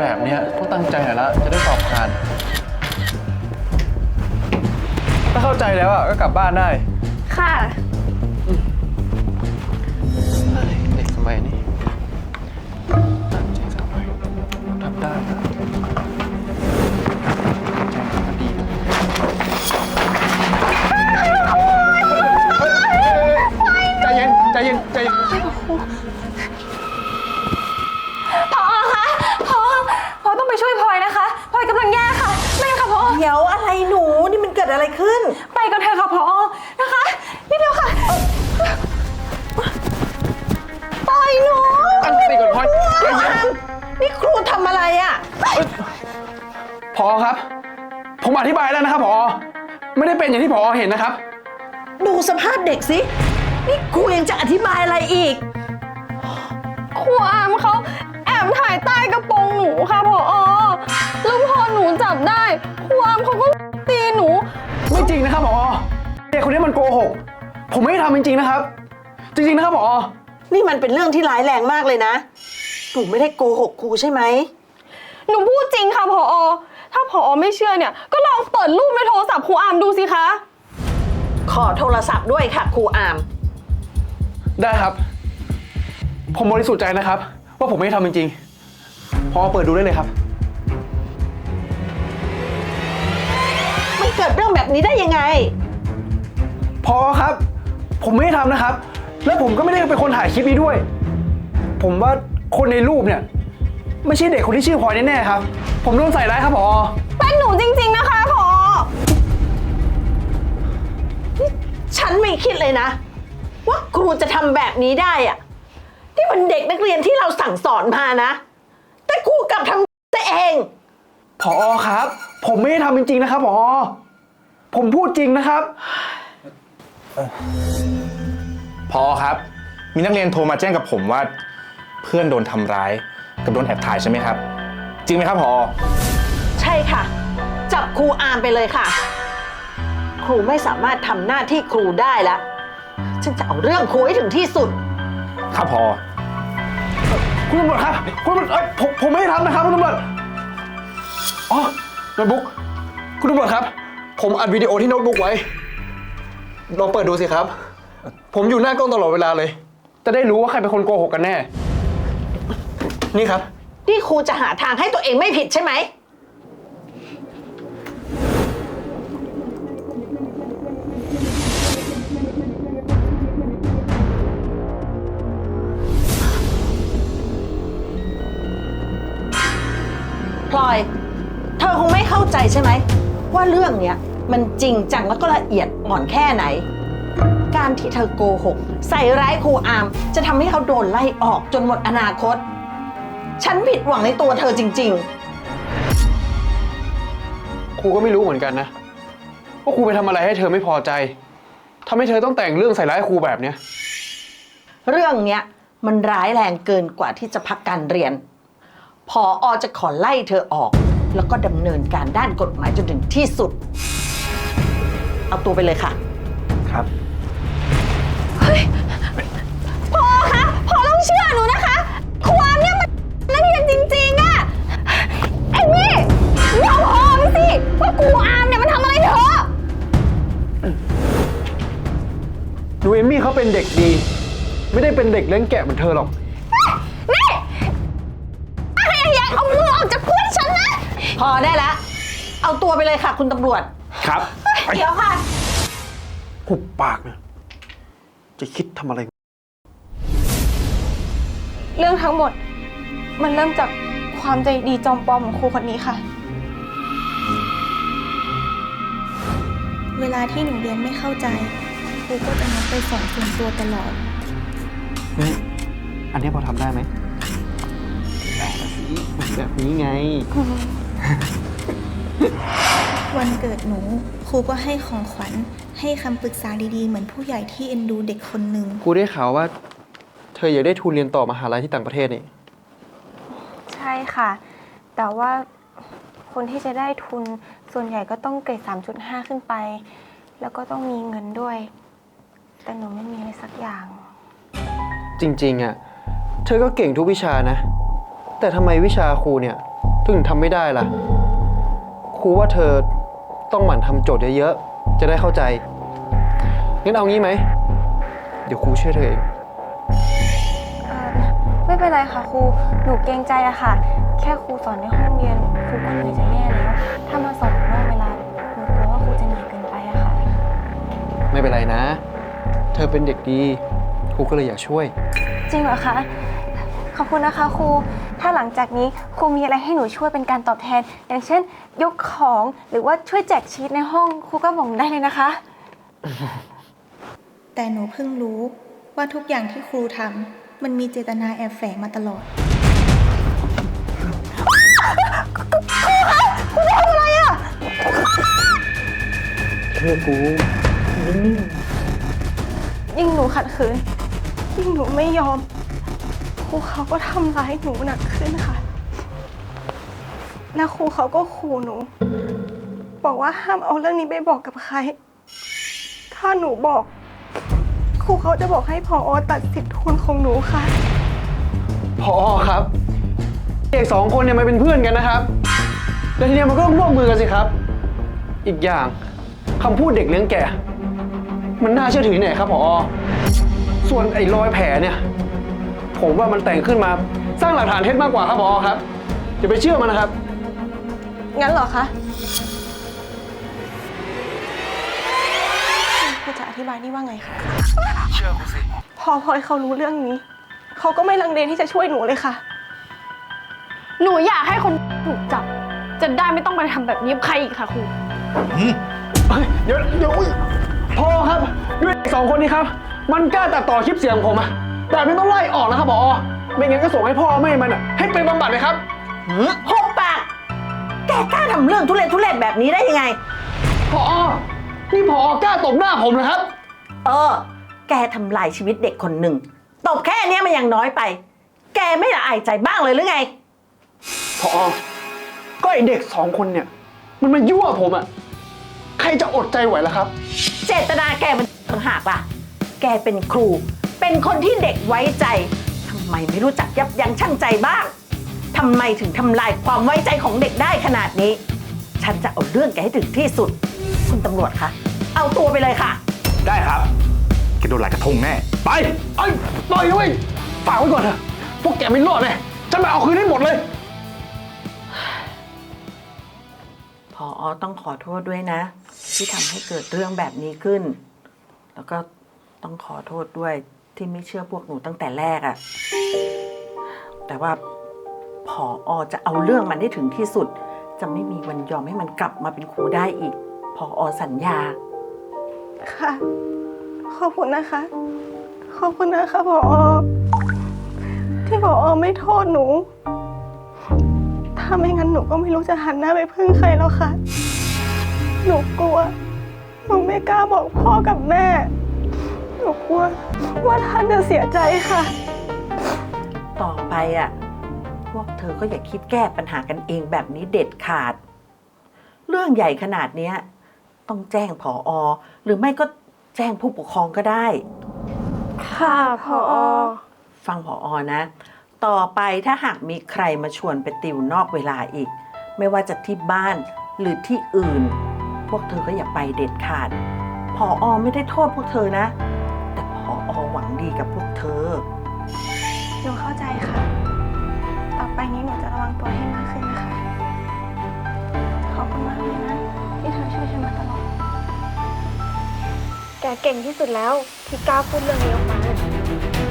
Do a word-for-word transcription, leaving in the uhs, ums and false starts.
แบบเนี้ยต้องตั้งใจหน่อยละจะได้สอบผ่านถ้าเข้าใจแล้วอ่ะก็กลับบ้านได้ค่ะเด็กสมัยนี้ตั้งใจสักหน่อยทำได้นะใจมันดีใจเย็นใจเย็นใจเย็นพอคะพอพอต้องไปช่วยพลอยนะคะพลอยกำลังแย่ค่ะไม่ค่ะพอเดี๋ยวอะไรหนูนี่มันเกิดอะไรขึ้นไปกันเถอะค่ะพอนะคะนี่เดียวค่ะปล่อยหนูตั้งสติก่อนพลอยใจเย็นนี่ครูทำอะไรอ่ะพอครับผมอธิบายแล้วนะครับพอไม่ได้เป็นอย่างที่พอเห็นนะครับดูสภาพเด็กสินี่ครูยังจะอธิบายอะไรอีกครูอามเขาแอบถ่ายใต้กระโปรงหนูค่ะพอแล้วพอหนูจับได้ครูอามเขาก็ตีหนูไม่จริงนะครับพอเด็กคนนี้มันโกหกผมไม่ได้ทำจริงๆนะครับจริงๆนะครับพอนี่มันเป็นเรื่องที่ร้ายแรงมากเลยนะหนูไม่ได้โกหกครูใช่ไหมหนูพูดจริงค่ะพอถ้าพอไม่เชื่อเนี่ยก็ลองเปิดรูปในโทรศัพท์ครูอามดูสิคะขอโทรศัพท์ด้วยค่ะครูอามได้ครับผมบริสุทธิ์ใจนะครับว่าผมไม่ได้ทำจริงๆพอเปิดดูได้เลยครับมันเกิดเรื่องแบบนี้ได้ยังไงพอครับผมไม่ได้ทำนะครับแล้วผมก็ไม่ได้เป็นคนถ่ายคลิปนี้ด้วยผมว่าคนในรูปเนี่ยไม่ใช่เด็กคนที่ชื่อพลอยแน่ๆครับผมโดนใส่ร้ายครับพอเป็นหนูจริงๆนะคะพอฉันไม่คิดเลยนะว่าครูจะทำแบบนี้ได้อะที่มันเด็กนักเรียนที่เราสั่งสอนมานะแต่ครูกลับทำตัวเองผอครับผมไม่ได้ทำจริงๆนะครับผอผมพูดจริงนะครับผอครับมีนักเรียนโทรมาแจ้งกับผมว่าเพื่อนโดนทำร้ายกับโดนแอบถ่ายใช่ไหมครับจริงไหมครับผอใช่ค่ะจับครูอามไปเลยค่ะครูไม่สามารถทำหน้าที่ครูได้แล้วฉันจะเอาเรื่องครูให้ถึงที่สุดครับผอคุณตำรวจครับคุณตำรวจเอ้ยผมผมไม่ได้ทำนะครับคุณตำรวจอ๋อโน้ตบุ๊กคุณตำรวจครับผมอัดวิดีโอที่โน้ตบุ๊กไว้ลองเปิดดูสิครับผมอยู่หน้ากล้องตลอดเวลาเลยจะได้รู้ว่าใครเป็นคนโกหกกันแน่นี่ครับนี่ครูจะหาทางให้ตัวเองไม่ผิดใช่ไหมพลอยเธอคงไม่เข้าใจใช่ไหมว่าเรื่องเนี้ยมันจริงจังแล้วก็ละเอียดอ่อนแค่ไหนการที่เธอโกหกใส่ร้ายครูอามจะทำให้เขาโดนไล่ออกจนหมดอนาคตฉันผิดหวังในตัวเธอจริงๆครูก็ไม่รู้เหมือนกันนะว่าครูไปทำอะไรให้เธอไม่พอใจทำให้เธอต้องแต่งเรื่องใส่ร้ายครูแบบเนี้ยเรื่องเนี้ยมันร้ายแรงเกินกว่าที่จะพักการเรียนผอ.จะขอไล่เธอออกแล้วก็ดำเนินการด้านกฎหมายจนถึงที่สุดเอาตัวไปเลยค่ะครับเฮ้ยพอคะพอต้องเชื่อหนูนะคะความเนี่ยมันนักเรียนจริงๆอะไอ้นี่ยอมพอไปสิว่าครูอามเนี่ยมันทำอะไรเธอหนูเอมมี่เขาเป็นเด็กดีไม่ได้เป็นเด็กเลี้ยงแกะเหมือนเธอหรอกนี่อะไรอย่างเอามือออกจากเพื่อนฉันนะพอได้แล้วเอาตัวไปเลยค่ะคุณตำรวจครับเดี๋ยวค่ะหุบปากนะจะคิดทำอะไรเรื่องทั้งหมดมันเริ่มจากความใจดีจอมปลอมของครูคนนี้ค่ะเวลาที่หนูเรียนไม่เข้าใจครูก็จะนัดไปสอนส่วนตัวตลอดเฮ้ยอันนี้พอทำได้ไหมได้สิแบบนี้ไงวันเกิดหนูครูก็ให้ของขวัญให้คำปรึกษาดีๆเหมือนผู้ใหญ่ที่เอ็นดูเด็กคนหนึ่งครูได้ข่าวว่าเธออยากได้ทุนเรียนต่อมหาลัยที่ต่างประเทศนี่ใช่ค่ะแต่ว่าคนที่จะได้ทุนส่วนใหญ่ก็ต้องเกรด สามจุดห้า ขึ้นไปแล้วก็ต้องมีเงินด้วยแต่หนูไม่มีอะไรสักอย่างจริงๆอ่ะเธอก็เก่งทุกวิชานะแต่ทำไมวิชาครูเนี่ยถึงทำไม่ได้ล่ะ ครูว่าเธอต้องหมั่นทำโจทย์เยอะๆ จะได้เข้าใจ งั้นเอางี้ไหม เดี๋ยวครูช่วยเธอเองเอ่อไม่เป็นไรค่ะครู หนูเกรงใจอะค่ะ แค่ครูสอนในห้องเรียนครูก็เหนื่อยจะแย่แล้ว ถ้ามาสอนนอกเวลาหนูกลัวว่าครูจะเหนื่อยเกินไปอะค่ะไม่เป็นไรนะ เธอเป็นเด็กดี ครูก็เลยอยากช่วยจริงเหรอคะ ขอบคุณนะคะครู ถ้าหลังจากนี้ครูมีอะไรให้หนูช่วยเป็นการตอบแทน อย่างเช่น ยกของหรือว่าช่วยแจกชีทในห้องครูก็บอกหนูได้เลยนะคะแต่หนูเพิ่งรู้ว่าทุกอย่างที่ครูทำมันมีเจตนาแอบแฝงมาตลอดเชื่อกูยิ่งหนูขัดขืน ยิ่งหนูไม่ยอม ครูเขาก็ทำร้ายหนูหนักขึ้นค่ะ แล้วครูเขาก็ขู่หนู บอกว่าห้ามเอาเรื่องนี้ไปบอกกับใคร ถ้าหนูบอก ครูเขาจะบอกให้ผอ.ตัดสิทธิ์ทุนของหนูค่ะพอครับ เด็กสองคนเนี่ยมันเป็นเพื่อนกันนะครับ แล้วทีเนี้ยมันก็ต้องร่วมมือกันสิครับ อีกอย่างคำพูดเด็กเลี้ยงแก่ มันน่าเชื่อถือที่ไหนครับพอส่วนไอ้รอยแผลเนี่ย ผมว่ามันแต่งขึ้นมาสร้างหลักฐานเท็จมากกว่าครับพอครับอย่าไปเชื่อมันนะครับงั้นเหรอคะครูจะอธิบายนี่ว่าไงคะเชื่อกูสิพอพอยเขารู้เรื่องนี้ เขาก็ไม่ลังเลที่จะช่วยหนูเลยค่ะหนูอยากให้คนถูกจับ จะได้ไม่ต้องมาทำแบบนี้กับใครอีกค่ะครูเฮ้ยเดี๋ยวเดี๋ยวอุ๊ยพอครับด้วยสองคนนี้ครับ มันกล้าตัดต่อคลิปเสียงผมอะแต่ไม่ต้องไล่ออกนะครับพอไม่งั้นก็ส่งให้พ่อแม่มันอะให้ไปบำบัดเลยครับหกปาก แกกล้าทำเรื่องทุเรศทุเรศแบบนี้ได้ยังไงพอนี่พอกล้าตบหน้าผมนะครับเออ แกทำลายชีวิตเด็กคนหนึ่ง ตบแค่เนี้ยมันยังน้อยไป แกไม่ละอายใจบ้างเลยหรือไงพอก็ไอเด็กสองคนเนี่ย มันมายั่วผมอะใครจะอดใจไหวล่ะครับเจตนาแกมันต่างหากล่ะ แกเป็นครู เป็นคนที่เด็กไว้ใจ ทำไมไม่รู้จักยับยั้งชั่งใจบ้าง ทำไมถึงทำลายความไว้ใจของเด็กได้ขนาดนี้ ฉันจะเอาเรื่องแกให้ถึงที่สุด คุณตำรวจคะ เอาตัวไปเลยค่ะได้ครับแกโดนหลายกระทงแน่ ไปไอ้ยปล่อยนะเว้ยฝากไว้ก่อนเถอะพวกแกไม่รอดเลยฉันมาเอาคืนให้หมดเลยพออต้องขอโทษด้วยนะ ที่ทำให้เกิดเรื่องแบบนี้ขึ้น แล้วก็ต้องขอโทษด้วยที่ไม่เชื่อพวกหนูตั้งแต่แรกอะแต่ว่าพออจะเอาเรื่องมันให้ถึงที่สุด จะไม่มีวันยอมให้มันกลับมาเป็นครูได้อีก พออสัญญาค่ะ ขอบคุณนะคะ ขอบคุณนะคะผอ ที่ผอไม่โทษหนู ถ้าไม่งั้นหนูก็ไม่รู้จะหันหน้าไปพึ่งใครแล้วค่ะ หนูกลัว หนูไม่กล้าบอกพ่อกับแม่ หนูกลัวว่าท่านจะเสียใจค่ะต่อไปอ่ะ พวกเธอก็อย่าคิดแก้ปัญหากันเองแบบนี้เด็ดขาด เรื่องใหญ่ขนาดเนี้ยต้องแจ้งผออหรือไม่ก็แจ้งผู้ปกครองก็ได้ค่ะผอฟังผออนะ ต่อไปถ้าหากมีใครมาชวนไปติวนอกเวลาอีก ไม่ว่าจะที่บ้านหรือที่อื่น พวกเธอก็อย่าไปเด็ดขาดผออไม่ได้โทษพวกเธอนะ แต่ผออหวังดีกับพวกเธอหนูเข้าใจค่ะ ต่อไปนี้หนูจะระวังตัวให้มากขึ้นนะคะ ขอบคุณมากเลยนะ ที่เธอช่วยฉันมาตลอดแกเก่งที่สุดแล้วที่กล้าพูดเรื่องนี้ออกมา